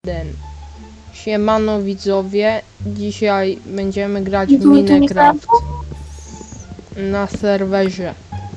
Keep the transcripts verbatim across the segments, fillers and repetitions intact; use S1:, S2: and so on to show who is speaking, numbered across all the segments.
S1: jeden. Siemano widzowie, dzisiaj będziemy grać w Minecraft na serwerze.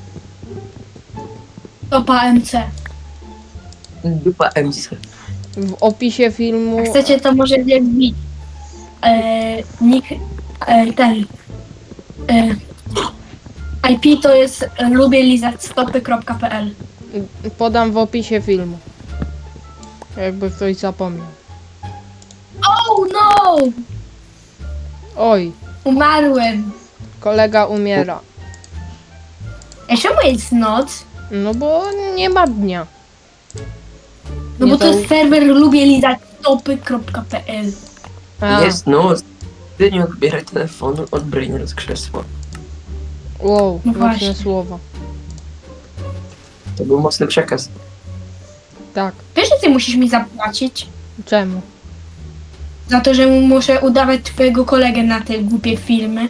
S2: Topa M C.
S3: Dupa M C.
S1: W opisie filmu...
S2: Jak chcecie, to możecie wbić e, nick, e, ten e, I P to jest e, lubię lizać stopy kropka p l.
S1: podam w opisie filmu. Jakby ktoś zapomniał.
S2: Oh no!
S1: Oj,
S2: Umarłem.
S1: kolega umiera.
S2: Ej, czemu jest noc?
S1: No bo nie ma dnia.
S2: No
S1: Nie
S2: bo to
S1: zau-
S2: jest serwer lubię lizać stopy kropka p l.
S1: A,
S3: Jest noc. Ty nie odbieraj telefonu od Brainer z krzesła.
S1: wow,
S2: No
S1: mocne
S2: właśnie.
S1: słowa.
S3: To był mocny przekaz.
S1: Tak,
S2: Wiesz, że ty musisz mi zapłacić?
S1: czemu?
S2: Za to, że muszę udawać twojego kolegę na te głupie filmy.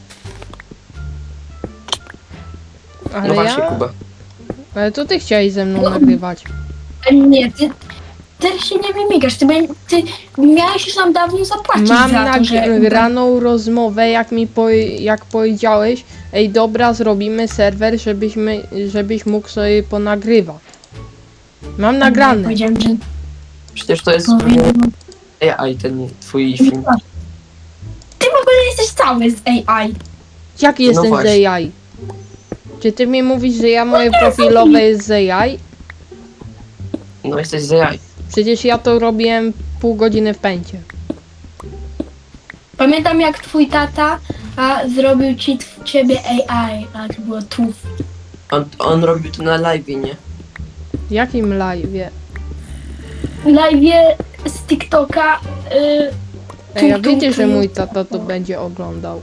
S1: Ale
S3: No właśnie,
S1: ja...
S3: Kuba.
S1: Ale to ty chciałeś ze mną nagrywać.
S2: A nie, ty, ty się nie wymigasz, ty, bę- ty miałeś już nam dawno zapłacić
S1: Mam
S2: za to, że...
S1: nagraną rozmowę, jak mi po, jak powiedziałeś, ej dobra, zrobimy serwer, żebyśmy, żebyś mógł sobie ponagrywać. Mam nagrane.
S2: Powiedziałem, że...
S3: Przecież to jest
S2: Powiem-
S3: A I, ten twój film.
S2: Ty w ogóle jesteś cały z A I.
S1: Jak jestem z
S3: właśnie.
S1: A I? Czy ty mi mówisz, że ja moje profilowe jest z A I?
S3: No jesteś z A I.
S1: Przecież ja to robiłem pół godziny w pęcie.
S2: Pamiętam jak twój tata a, zrobił ci w ciebie A I, a to było tu.
S3: On, on robił to na live, nie?
S1: Jakim live'ie?
S2: Live z TikToka. Y,
S1: Ej, ja
S2: tum, tum,
S1: wiecie, że
S2: tum.
S1: mój tata to będzie oglądał.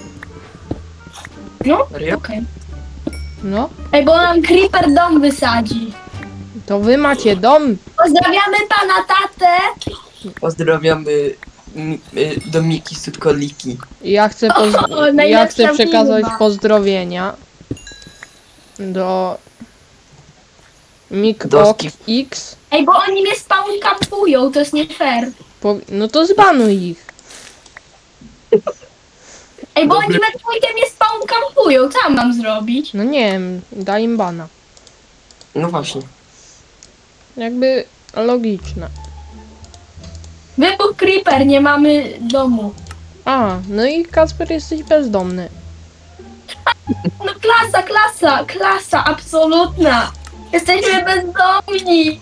S2: No,
S3: Serio?
S2: okej.
S1: No,
S2: Ej, bo nam Creeper dom wysadzi.
S1: to wy macie dom.
S2: Pozdrawiamy pana tatę.
S3: Pozdrawiamy mi- y, Domiki Sutkoliki.
S1: I Ja chcę, poz-
S2: O,
S1: ja
S2: najlepsza
S1: chcę przekazać
S2: firma.
S1: pozdrowienia do
S3: Doski.
S1: MikOX.
S2: Ej, bo oni mnie spawn kampują, to jest nie fair.
S1: Po- No to zbanuj ich.
S2: Ej, bo
S3: Dobry.
S2: oni we trójkę mnie spawn kampują, co mam zrobić?
S1: No nie wiem, daj im bana.
S3: No właśnie.
S1: Jakby logiczne.
S2: Wybuch Creeper, nie mamy domu.
S1: A, no i Kacper jesteś bezdomny.
S2: No klasa, klasa, klasa, absolutna. Jesteśmy bezdomni.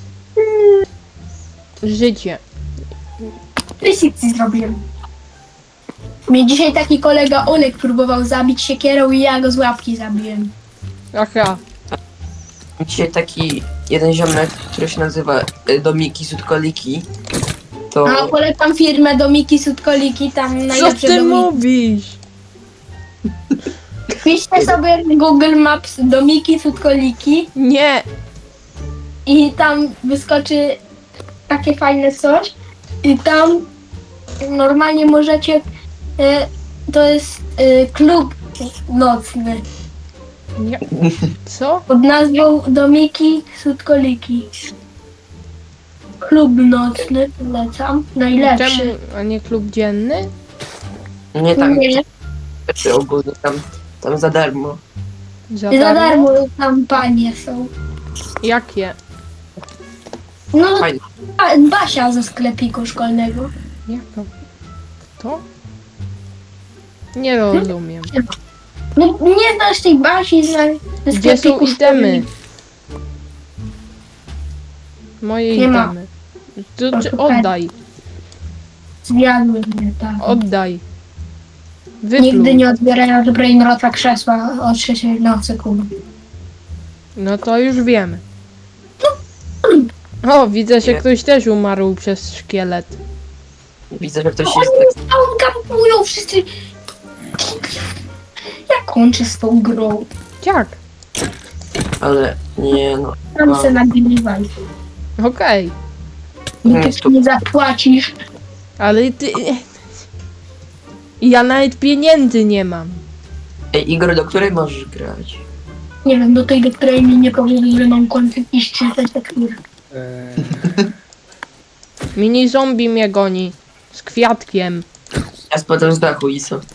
S1: Życie.
S2: Prysicy zrobiłem. Mnie dzisiaj taki kolega Olek próbował zabić siekierą i ja go z łapki zabiłem.
S1: Aha,
S3: Dzisiaj taki jeden ziomek, który się nazywa y, Domiki Sutkoliki. To
S2: A polecam firmę Domiki Sutkoliki, tam
S1: co
S2: najlepsze
S1: ty
S2: domiki.
S1: mówisz?
S2: Piszcie sobie w Google Maps Domiki Sutkoliki
S1: Nie,
S2: i tam wyskoczy takie fajne coś i tam normalnie możecie, e, to jest e, klub nocny
S1: nie. Co?
S2: pod nazwą Domiki Sutkoliki. Klub nocny, polecam, najlepszy.
S1: Czemu, a nie klub dzienny?
S3: nie tak,
S2: Nie,
S3: rzeczy ogólnie tam, tam za darmo.
S1: Za
S2: za
S1: darmo?
S2: darmo tam panie są.
S1: Jakie?
S2: No,
S3: Fajnie.
S2: a, Basia ze sklepiku szkolnego.
S1: Jaka? To? Nie rozumiem.
S2: No nie znasz tej Basi ze, ze
S1: Gdzie są
S2: sklepiku
S1: itemy?
S2: szkolnego.
S1: Moje
S2: Nie ma.
S1: itemy. To,
S2: To
S1: czy
S2: szukaj.
S1: oddaj,
S2: Zjadły mnie, tak.
S1: oddaj.
S2: Nigdy
S1: Wypluj.
S2: nie odbierają od Brainrota krzesła o trzeciej nocy, kurwa.
S1: No to już wiemy. O, widzę, że
S3: Nie.
S1: ktoś też umarł przez szkielet.
S3: Widzę, że ktoś
S2: Oni
S3: jest
S2: mnie stąd kampują wszyscy. Ja kończę z tą grą.
S1: Jak?
S3: ale nie no.
S2: Tam
S3: A.
S2: se nagrywaj.
S1: Okej.
S3: Nie,
S2: Nikt
S3: to-
S2: nie zapłacisz.
S1: Ale ty... Ja nawet pieniędzy nie mam.
S3: Ej, Igor, do której możesz grać?
S2: Nie wiem, do tej, do której mi nie powiedzieli, że mam kończyć iść czytać tekturę.
S4: Eee,
S1: Mini zombie mnie goni. Z kwiatkiem.
S3: Ja spadam z dachu i co?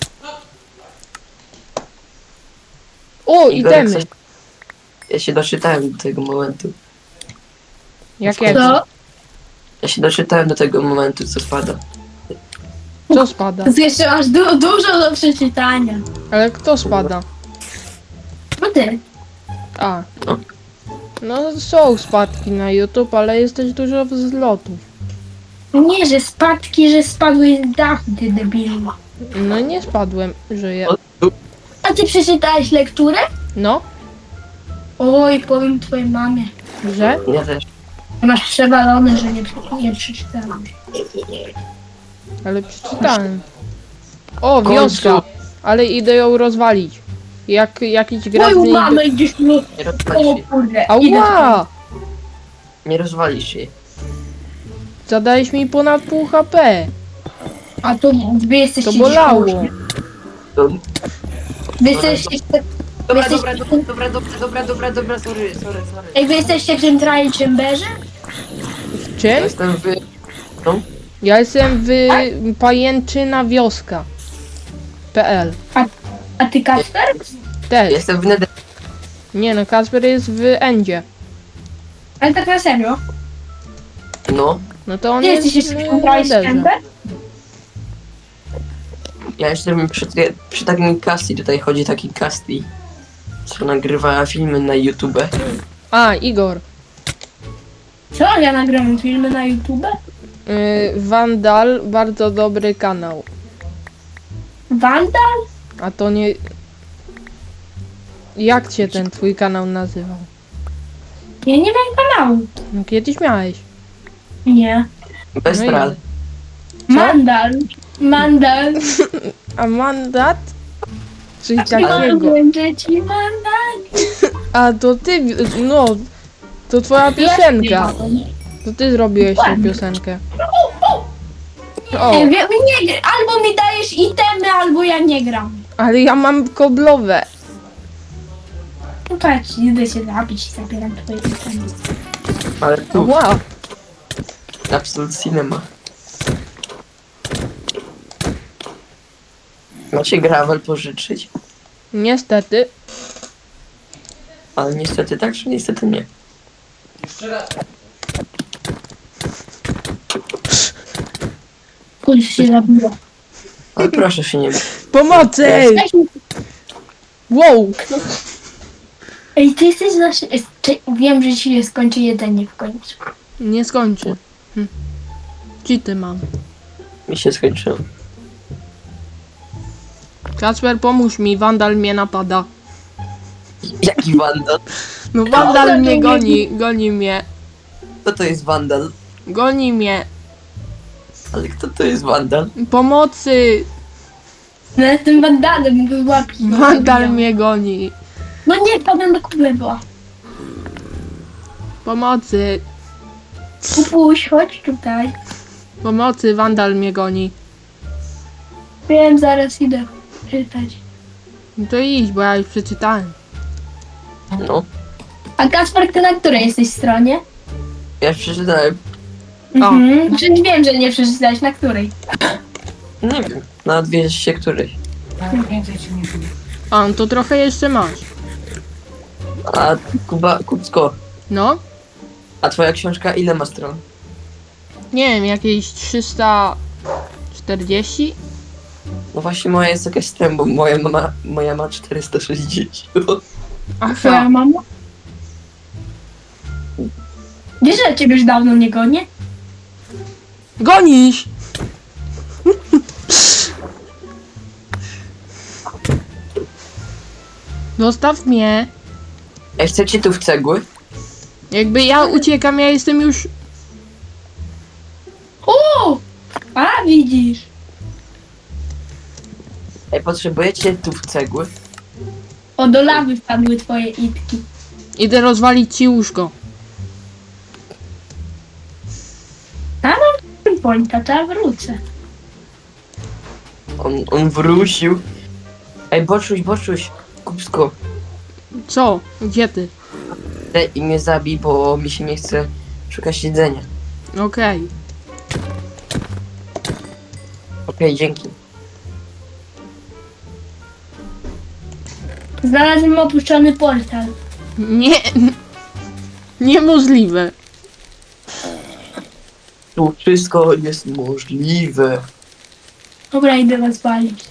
S1: O,
S3: Igor, jak
S1: itemy.
S3: coś- Ja się doczytałem do tego momentu.
S1: Jakiego?
S2: Co?
S3: Ja się doczytałem do tego momentu, co spada.
S1: Co spada?
S2: To jeszcze masz du dużo do przeczytania.
S1: Ale kto spada?
S2: No ty.
S1: A.
S3: No.
S1: No są spadki na YouTube, ale jest też dużo wzlotów.
S2: Nie, że spadki, że spadłeś z dachu, ty debilu.
S1: No nie spadłem, żyję.
S2: A ty przeczytałeś lekturę?
S1: No,
S2: Oj, powiem twojej mamie.
S1: że?
S3: Ja też.
S2: Masz przewalone, że nie, prze- nie przeczytałam.
S1: Ale przeczytałem. O,
S3: W końcu.
S1: wioska! Ale idę ją rozwalić. Jak jakiś gracz w
S2: Twoją
S1: niej...
S2: mamę gdzieś mi...
S3: Nie rozwalisz
S2: O
S3: jej.
S2: kurde, idę
S1: Ała!
S3: Nie rozwalisz jej.
S1: Zadałeś mi ponad pół H P.
S2: A to wy jesteście
S1: To bolało.
S2: gdzieś koło-
S3: To...
S2: Wy jesteście...
S3: Dobra,
S2: Jesteś-
S3: dobra, dobra, dobra, dobra, dobra, dobra, dobra, sorry, sorry, sorry.
S2: Ej, wy jesteście w tym trial chamberze?
S1: W
S3: Ja
S1: czym?
S3: jestem wy... No?
S1: Ja jestem w pajęczyna wioska. P L.
S2: A ty Kasper?
S3: Ja
S1: Też.
S3: jestem w Nether...
S1: Nie no, Kasper jest w Endzie.
S2: Ale tak na serio?
S3: No.
S1: No to on
S2: Ty
S1: jest
S2: jesteś
S1: w
S2: w tym trial
S1: Netherze.
S2: chamber?
S3: Ja jestem przy, przy takim Casti, tutaj chodzi taki Casti, co nagrywa filmy na YouTube.
S1: A, Igor.
S2: Co? Ja nagram filmy na YouTube?
S1: Yy, Vandal, bardzo dobry kanał.
S2: Wandal?
S1: A to nie... Jak cię ten twój kanał nazywał?
S2: Ja nie mam kanału.
S1: No kiedyś miałeś.
S2: Nie.
S3: Bez
S1: No i-
S3: tral.
S2: Mandal. Mandal.
S1: A mandat? Czyli takiego.
S2: Będę ci mandal.
S1: A to ty, no, to twoja piosenka. To ty zrobiłeś tę piosenkę. O,
S2: Ej, wie- nie, albo mi dajesz itemy, albo ja nie gram.
S1: ale ja mam koblowe.
S2: No patrz, idę się zabić i zabieram twoje itemy.
S3: Ale tu,
S1: Wow.
S3: Absolute Cinema. Macie gravel pożyczyć?
S1: Niestety.
S3: Ale niestety tak, czy niestety nie?
S2: Kuś się zabiło.
S3: Ale proszę się nie...
S1: Pomocy! Ej! Wow.
S2: Ej, ty jesteś nasz... ej, ty- Wiem, że ci się skończy jedzenie w końcu.
S1: Nie skończy. Hm. Cheaty mam.
S3: Mi się skończyło.
S1: Kacper, pomóż mi, Wandal mnie napada.
S3: Jaki wandal?
S1: No Wandal mnie goni, goni mnie.
S3: Kto to jest wandal?
S1: Goni mnie.
S3: Ale kto to jest wandal?
S1: Pomocy!
S2: No jestem wandalem, wyłapi.
S1: Wandal mnie goni.
S2: No nie, padłem do kublewa.
S1: Pomocy.
S2: Kupuś, chodź tutaj.
S1: Pomocy, Wandal mnie goni.
S2: Wiem, zaraz idę czytać.
S1: No to idź, bo ja już przeczytałem.
S3: No.
S2: A Kasper, ty na której jesteś stronie?
S3: Ja przeczytałem.
S2: Mhm. Przecież wiem, że nie przeczytałeś, na której.
S3: Nie wiem. Na dwieście której.
S1: A, no to trochę jeszcze masz.
S3: A Kuba, Kubsko,
S1: No?
S3: a twoja książka ile ma stron?
S1: Nie wiem, jakieś trzysta czterdzieści?
S3: No właśnie moja jest jakaś stron, bo moja mama, moja ma czterysta sześćdziesiąt.
S2: Twoja
S1: Aha.
S2: mama? Wiesz, że ciebie już dawno nie gonię?
S1: Gonisz! Zostaw mnie.
S3: Ej, chcecie tu w cegły?
S1: Jakby ja uciekam, ja jestem już...
S2: O! A, widzisz.
S3: Ej, potrzebujecie tu w cegły?
S2: O, do lawy wpadły twoje itki.
S1: Idę rozwalić ci łóżko.
S2: A mam pointa, to ja wrócę.
S3: On, on wrócił. Ej, boczuś, boczuś, Kubsko,
S1: Co? Gdzie ty?
S3: daj i mnie zabij, bo mi się nie chce szukać jedzenia.
S1: Okej.
S3: Okej, dzięki.
S2: Znalazłem opuszczony portal.
S1: Nie. Niemożliwe.
S3: Tu wszystko jest możliwe.
S2: Dobra, idę was walić.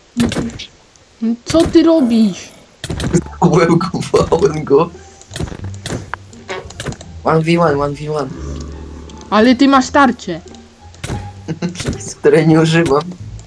S1: Co ty robisz?
S3: Łełkowałem go. jeden v jeden, jeden v jeden.
S1: Ale ty masz tarczę.
S3: Z której nie używam.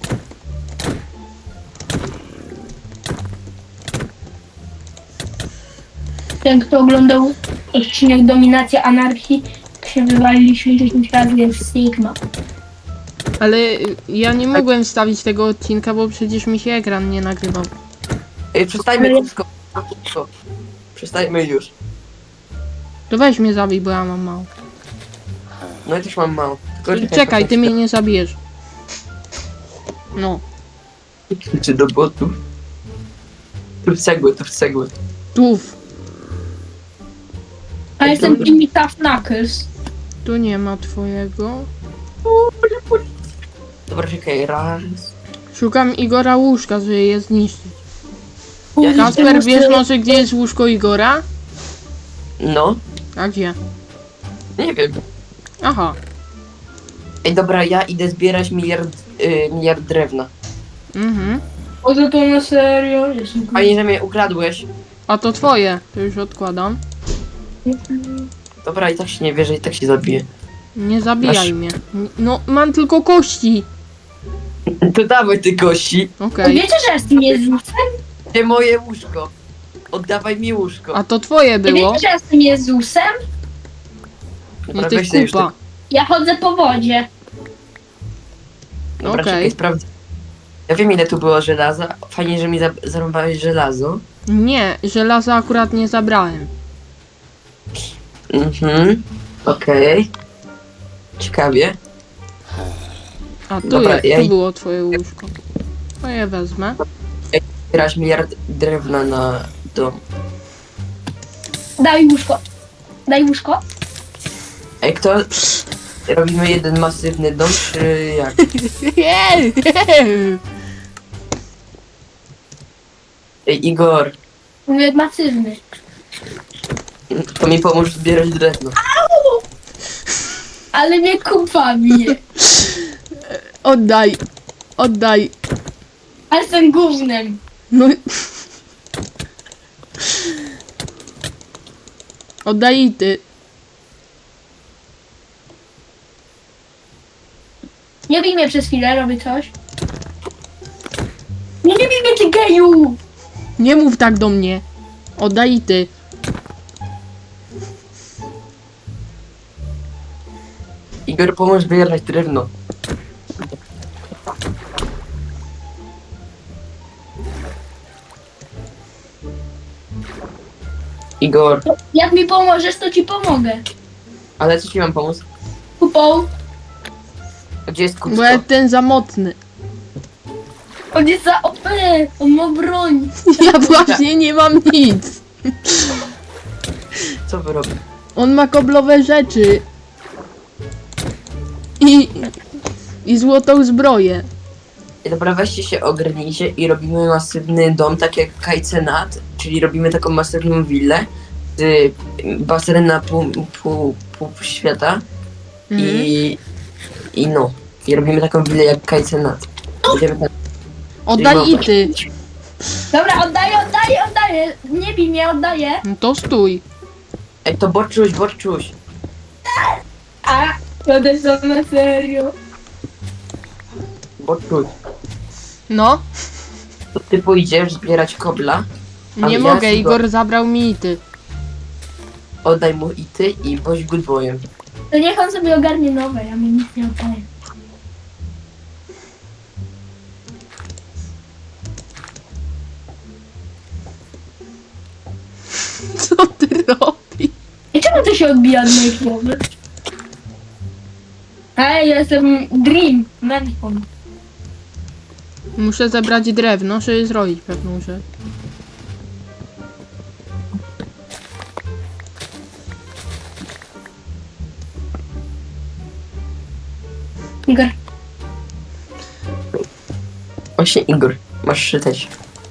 S2: Ten, kto oglądał odcinek Dominacja Anarchii, się wywaliliśmy dziesięć razy, jest Sigma.
S1: Ale y, ja nie mogłem wstawić tego odcinka, bo przecież mi się ekran nie nagrywał.
S3: Ej, przestańmy krótko. krótko. Przestańmy już.
S1: To weź mnie zabij, bo ja mam mało.
S3: No ja też mam mało. Tylko
S1: Czekaj, ty mnie nie zabijesz. No,
S3: Czy do botów? Tu w cegły, tu w cegły.
S1: tuf.
S2: A jestem Jimmy Tough Knuckles.
S1: Tu nie ma twojego.
S3: Dobra, czekaj, raz.
S1: Szukam Igora łóżka, żeby je zniszczyć.
S3: Ja
S1: Kasper, wiesz może gdzie jest łóżko Igora?
S3: No,
S1: A gdzie?
S3: nie wiem.
S1: Aha.
S3: Ej, dobra, ja idę zbierać miliard, y, miliard drewna.
S1: Mhm.
S2: Poza to na serio.
S3: Fajnie, że mnie ukradłeś.
S1: A to twoje. To już odkładam.
S3: Dobra, i tak się nie wierzę, i tak się zabiję.
S1: Nie zabijaj
S3: Masz-
S1: mnie. No, mam tylko kości.
S3: To dawaj ty kości.
S1: Okej.
S2: Wiecie, że jestem Jezusem?
S3: Gdzie moje łóżko? Oddawaj mi łóżko.
S1: A to twoje było.
S2: Wiecie, że jestem Jezusem?
S1: Nie ty
S3: weź sobie już
S1: kupa.
S2: Ja chodzę po wodzie.
S3: te- Dobra,
S1: Okej.
S3: czekaj, sprawdź. Ja wiem ile tu było żelaza. Fajnie, że mi za zarąbałeś żelazo.
S1: Nie, żelaza akurat nie zabrałem.
S3: Mhm. Okej. Ciekawie.
S1: A tu,
S3: Dobra,
S1: je,
S3: ja
S1: tu
S3: i-
S1: było twoje łóżko. To je wezmę.
S3: Zbierać miliard drewna na dom.
S2: Daj łóżko. Daj łóżko.
S3: Ej, kto... Robimy jeden masywny dom, czy jak? Ej, Igor,
S2: Mówię masywny.
S3: to mi pomóż zbierać drewno.
S2: Ale mnie kupa bije.
S1: Oddaj. Oddaj.
S2: Ale jestem gównem.
S1: No. Oddaj i ty.
S2: Nie bij mnie przez chwilę, robię coś. Nie, nie bij mnie, ty geju!
S1: Nie mów tak do mnie. Oddaj i ty.
S3: Igor, pomóż zbierać drewno. Igor,
S2: Jak mi pomożesz, to ci pomogę.
S3: ale co ci mam pomóc?
S2: Kupą.
S3: A gdzie jest
S1: Bo
S3: kucko?
S1: ja ten za mocny.
S2: On jest za O P. On ma broń.
S1: Ja właśnie nie mam nic.
S3: Co wy robicie?
S1: On ma koblowe rzeczy. I... I złotą zbroję.
S3: Ej, dobra, weźcie się, ogarnijcie i robimy masywny dom, tak jak Kajcenat, czyli robimy taką masywną willę z basenem na pół, pół, pół świata
S1: Mhm.
S3: i, i no, i robimy taką willę jak Kajcenat. Będziemy tam...
S1: Oddaj i ty.
S2: Dobra, oddaję, oddaję, oddaję. Nie bij mnie, oddaję.
S1: No to stój.
S3: Ej, to Borczuś, Borczuś,
S2: A, to też są na serio.
S3: Borczuś,
S1: No.
S3: to ty pójdziesz zbierać kobla, Ale
S1: Nie
S3: ja
S1: mogę,
S3: sobie-
S1: Igor zabrał mi i ty.
S3: oddaj mu i ty i bądź good boyem.
S2: To niech on sobie ogarnie nowe, ja mi nic nie oddaję.
S1: Co ty robisz?
S2: I czemu to się odbija od mojej głowy? Ej, ja jestem Dream, Manhon.
S1: Muszę zebrać drewno, żeby zrobić pewną rzecz.
S2: Igor,
S3: Właśnie Igor, masz czytać.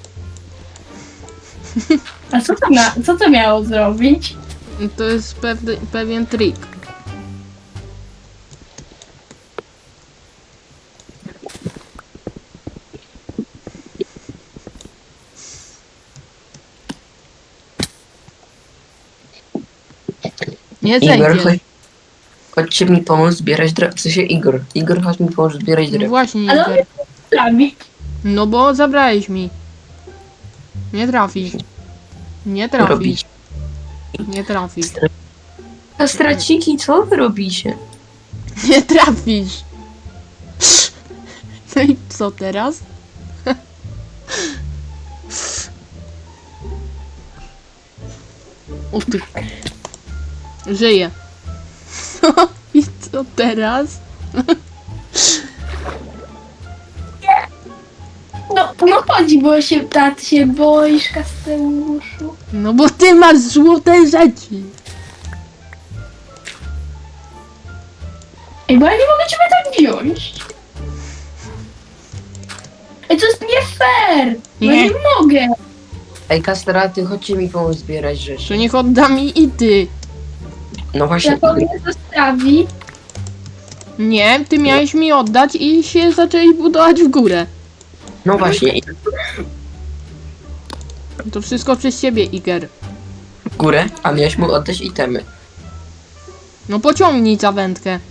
S2: A co to, na, co to miało zrobić?
S1: To jest pewny, pewien trik. Nie
S3: Igor,
S1: zejdziesz.
S3: chodź, chodźcie mi pomóc zbierać drewno. W sensie Igor. Igor, chodź mi pomóc zbierać
S1: No
S3: drewno.
S1: właśnie,
S2: Ale on
S1: Igor.
S2: nie trafi.
S1: No bo zabrałeś mi. Nie trafisz. Nie trafisz.
S3: Robić.
S1: Nie trafisz.
S3: A straciki, co wy robicie?
S1: Nie trafisz. No i co teraz? O ty. Żyję. I co teraz?
S2: No, no chodzi, bo się, tak się boisz, Kasteluszu.
S1: No bo ty masz złote rzeczy.
S2: Ej, bo ja nie mogę ciebie tak wziąć. Ej, to jest nie fair. No
S1: Nie.
S2: nie mogę.
S3: Ej, kastraty, chodźcie mi pomóc zbierać
S1: To
S3: rzeczy.
S1: niech odda mi i ty.
S3: No właśnie,
S2: Jak on mnie zostawi,
S1: Nie, ty miałeś mi oddać i się zaczęli budować w górę.
S3: no właśnie,
S1: To wszystko przez ciebie, Iger.
S3: w górę, a miałeś mu oddać itemy.
S1: No pociągnij za wędkę.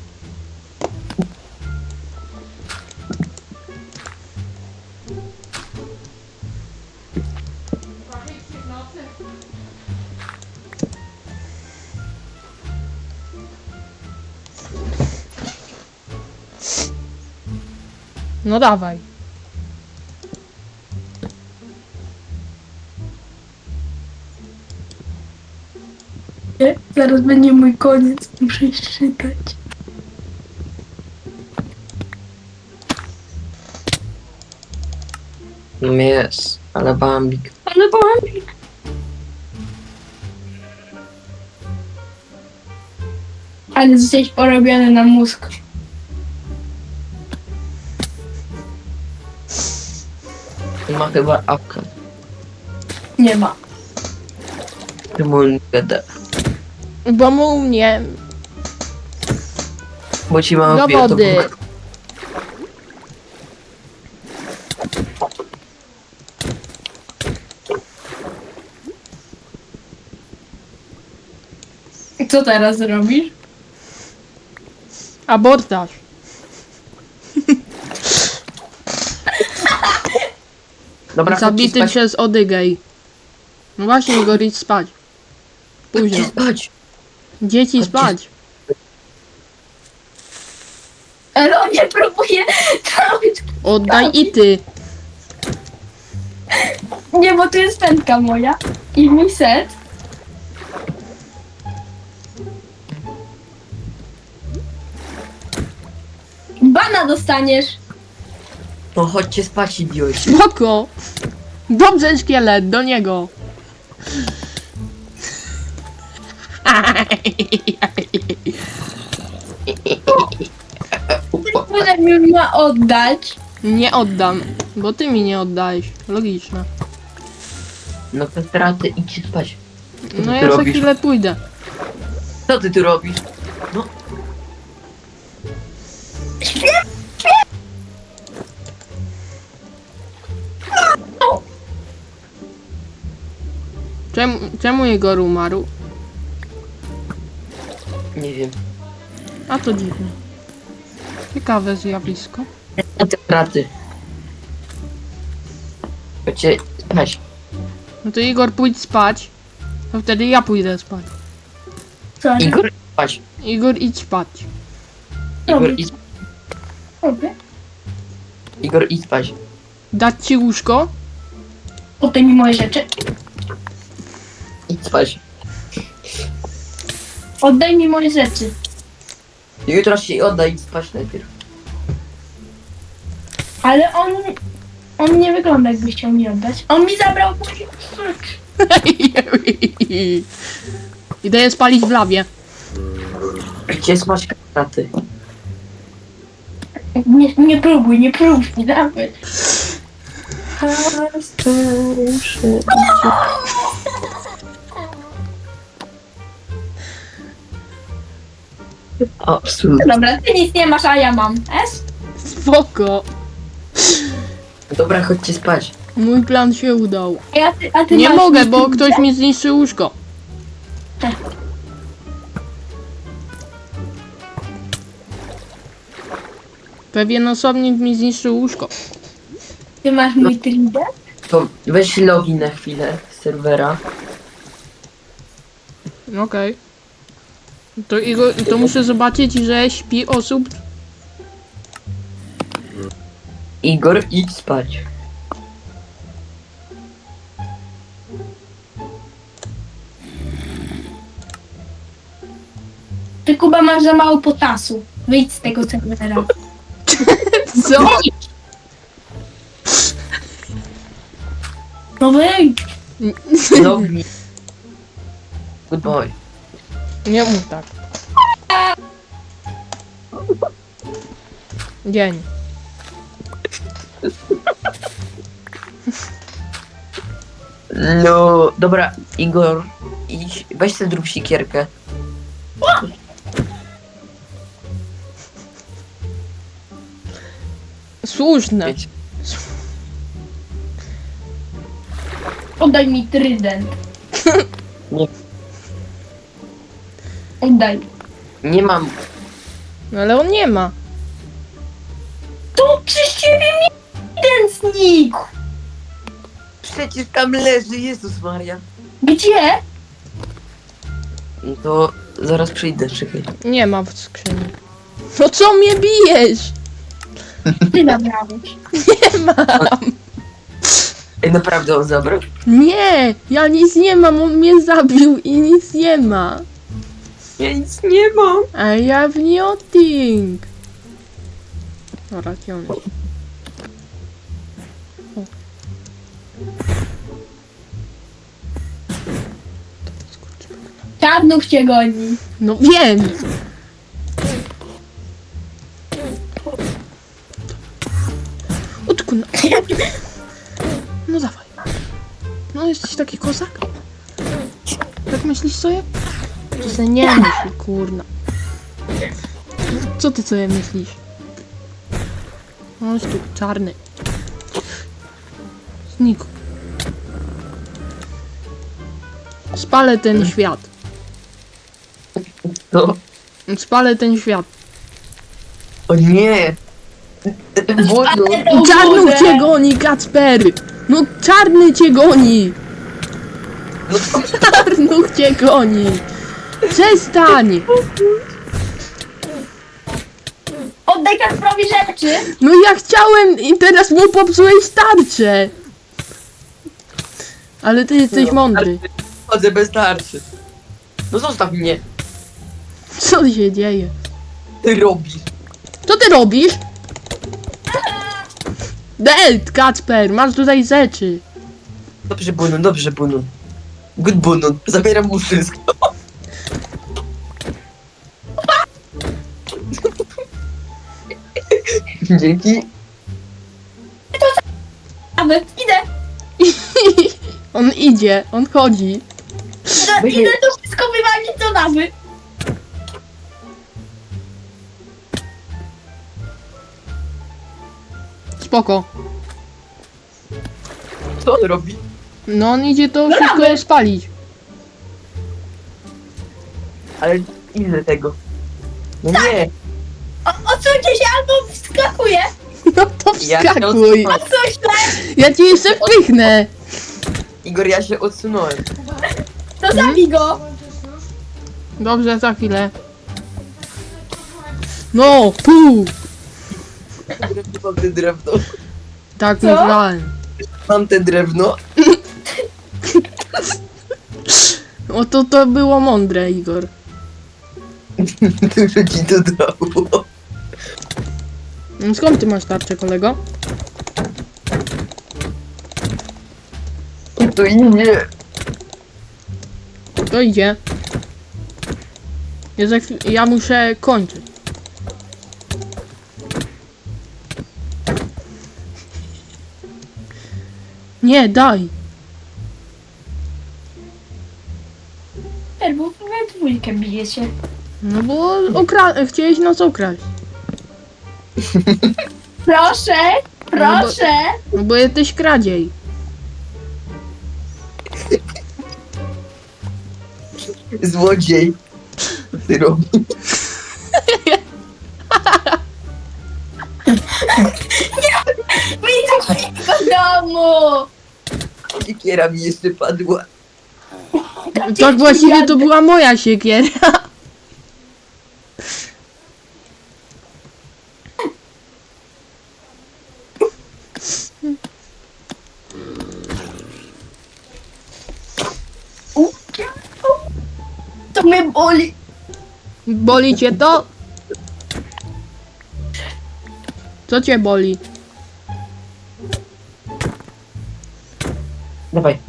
S1: No dawaj.
S2: nie? Zaraz będzie mój koniec, muszę jeszcze czytać.
S3: No jest, ale bambik.
S2: Ale boli. Ale zostałeś porobiony na mózg.
S3: Ma chyba apkę.
S2: Nie ma.
S3: Czemu on gada?
S1: Bo mu mnie
S3: Bo ci mam
S1: do
S3: wbija, to
S1: wody.
S3: Bóg.
S2: I co teraz robisz?
S1: Abordaż.
S3: Dobra, chodźcie
S1: Zabity
S3: spać.
S1: przez Odygej. No właśnie, Igor, idź spać. Późno.
S3: Chodźcie spać.
S1: Dzieci
S3: Chodźcie
S1: spać.
S2: Ale on nie próbuje trafić.
S1: Oddaj i ty.
S2: Nie, bo tu jest pętka moja. I mi set. Bana dostaniesz.
S3: No chodźcie spać, idioci.
S1: Spoko. Dobrze, szkielet, do niego.
S2: Tyle mi ma oddać.
S1: Nie oddam, bo ty mi nie oddałeś. Logiczne.
S3: No te straty, idźcie spać. Co
S1: No
S3: ty
S1: ja za
S3: robisz?
S1: chwilę pójdę.
S3: Co ty tu robisz? No,
S1: Czemu, czemu Igor umarł?
S3: nie wiem.
S1: A to dziwne. Ciekawe zjawisko.
S3: No te straty. Chodźcie spać.
S1: No to Igor, pójdź spać. To wtedy ja pójdę spać.
S2: Co?
S3: Igor, spać.
S1: Igor, idź spać.
S3: Igor,
S2: Robię.
S3: idź,
S2: Robię.
S3: Igor, idź spać.
S1: Dać ci łóżko?
S2: Oddaj mi moje rzeczy.
S3: Idź spać.
S2: Oddaj mi moje rzeczy.
S3: Jutro się oddaj, idź spać najpierw.
S2: Ale on... On nie wygląda, jakby chciał mi oddać. On mi zabrał moje rzeczy.
S1: Idę je spalić w lawie.
S3: Gdzie spać straty?
S2: Nie, nie próbuj, nie próbuj, nawet.
S3: O, absolutnie.
S2: Dobra, ty nic nie masz, a ja mam. Es?
S1: Spoko.
S3: Dobra, chodźcie spać.
S1: Mój plan się udał.
S2: A, ja, ty, a ty
S1: Nie
S2: masz
S1: mogę,
S2: nic,
S1: bo
S2: ty-
S1: ktoś mi zniszczy łóżko. Pewien osobnik mi zniszczył łóżko.
S2: Ty masz mój trident?
S3: To weź login na chwilę z serwera.
S1: Okej. To, Igor, to muszę zobaczyć, że śpi osób.
S3: Igor, idź spać.
S2: Ty, Kuba, masz za mało potasu. Wyjdź z tego serwera.
S1: Co?
S2: No wyjdź.
S3: Login. Good boy.
S1: Nie mów tak. Dzień.
S3: No, dobra, Igor, idź, weź sobie zrób sikierkę.
S1: Słuszne.
S3: Wiecie.
S2: Oddaj mi trident.
S3: Nie.
S2: Oddaj.
S3: Nie mam.
S1: No ale on nie ma.
S2: To przez ciebie mi trident znikł.
S3: Przecież tam leży, Jezus Maria.
S2: Gdzie?
S3: No to zaraz przyjdę, czekaj.
S1: Nie ma w skrzyni. No co mnie bijesz?
S2: Ty zabrałeś.
S1: Nie mam.
S3: Ej, naprawdę on zabrał?
S1: Nie, ja nic nie mam, on mnie zabił i nic nie ma.
S3: Ja nic nie mam.
S1: I have nothing. Dobra, gdzie on jest? O.
S2: Czarnuch cię goni.
S1: No wiem. Odkuna. No dawaj. No jesteś taki kozak? Tak myślisz sobie? To sobie nie myśl, kurna. Co ty sobie myślisz? Chodź tu, czarny. Znikł. Spalę ten świat.
S3: No.
S1: Spalę ten świat.
S3: O nie. Wodu.
S2: O
S1: Czarnuch
S2: Boże.
S1: cię goni, Kacper! No czarny cię goni!
S3: No,
S1: Czarnuch cię goni! Przestań!
S2: Oddaj Kasprowi rzeczy.
S1: No ja chciałem i teraz mu popsułeś tarczę! Ale ty jesteś mądry.
S3: chodzę bez tarczy. No zostaw mnie.
S1: Co się dzieje?
S3: Ty robisz.
S1: Co ty robisz? Delt, Kacper, masz tutaj rzeczy.
S3: Dobrze, Bunu, dobrze, Bunu. Good Bunu, zabieram mu wszystko. Dzięki.
S2: Nawet idę.
S1: On idzie, on chodzi.
S2: Idę, idę to wszystko wywalić do nawy.
S1: Spoko.
S3: Co on robi?
S1: No on idzie to wszystko
S2: Brawy.
S1: spalić.
S3: Ale ile tego? No nie.
S2: O, odsuńcie się albo wskakuję.
S1: No to
S3: Ja się
S1: wskakuj.
S3: odsunąłem.
S2: Coś źle.
S1: Ja ci jeszcze wpychnę.
S3: Igor, ja się odsunąłem.
S2: To zabij go.
S1: Dobrze, za chwilę. No, pół.
S3: Mam te drewno.
S1: Tak
S2: Co?
S1: myślałem.
S3: Mam te drewno.
S1: O to to było mądre, Igor.
S3: Dużo ci to dało.
S1: No skąd ty masz tarczę, kolego?
S3: To idzie.
S1: To idzie. Ja, za chwil- ja muszę kończyć. Nie, daj.
S2: Bo we dwójkę bijecie.
S1: No bo ukra- chciałeś nas ukraść.
S2: Proszę, proszę.
S1: No bo jesteś kradziej.
S3: Złodziej. Co ty robisz?
S2: Widzę do domu.
S3: Siekiera mi jeszcze padła.
S1: Tak właściwie to była moja siekiera.
S2: To mnie boli.
S1: Boli cię to? Co cię boli?
S3: Dawaj.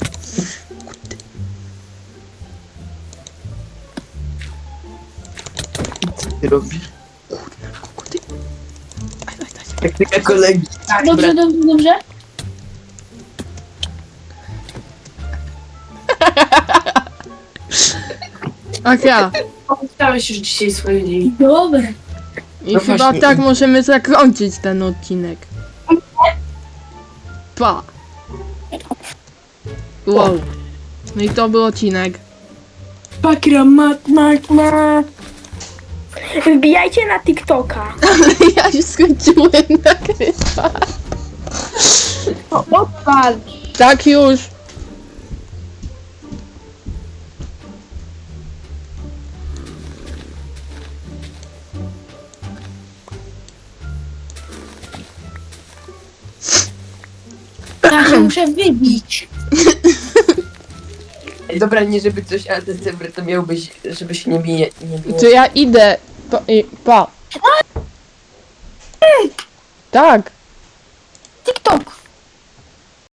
S3: Co ty robisz?
S1: Kuty. Daj, daj, daj.
S3: Taktyka kolegi.
S2: Dobrze, dobrze, dobrze.
S1: Ach ja.
S4: Opowiedziałeś już dzisiaj swoje dzień.
S2: Dobra.
S1: I
S3: No
S1: chyba
S3: właśnie.
S1: tak możemy zakończyć ten odcinek. Pa. Wow. No i to był odcinek.
S4: Pakra mat, mat, mat.
S2: Wbijajcie na TikToka.
S1: Ja już skończyłem nagrywać.
S4: Odpal.
S1: Tak już.
S2: Ja się muszę wybić.
S3: Ej, dobra, nie żeby coś, ale ten serwer to miałbyś, żebyś nie bije, nie było.
S1: To ja idę. Pa. I, pa. Tak.